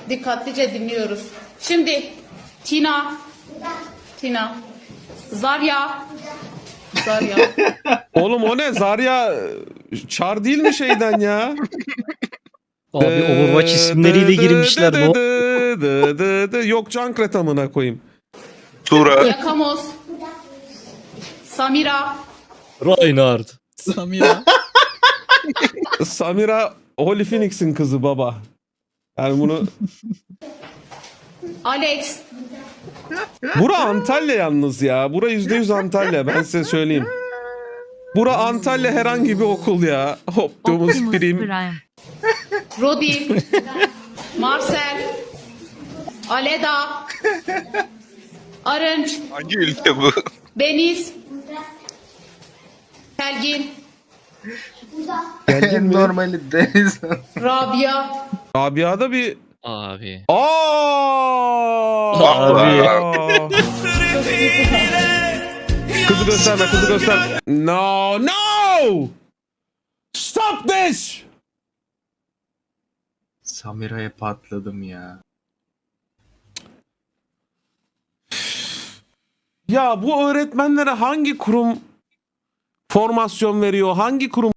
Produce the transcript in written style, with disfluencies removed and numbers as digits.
Dikkatlice dinliyoruz. Şimdi Tina. Zarya. Oğlum o ne? Zarya Çar değil mi şeyden ya? Abi Overwatch isimleriyle girmişler. Ne Yok Cankret amına koyayım. Tura. Yakamoz. Samira. Reinhard. Samira. Samira Holy Phoenix'in kızı baba. Yani bunu... Alex. Bura Antalya yalnız ya. Bura %100 Antalya. Ben size söyleyeyim. Bura Antalya herhangi bir okul ya. Optimus Prime. Rodi. Marcel. Aleda. Arınç. Hangi ülke bu? Beniz. Belgin. Geldin mi? Normali deniz. Rabia. Rabia'da bir... Abi. Abi. Kızı gösterme, kızı göster. No. Stop this. Samira'ya patladım ya. Ya bu öğretmenlere hangi kurum formasyon veriyor? Hangi kurum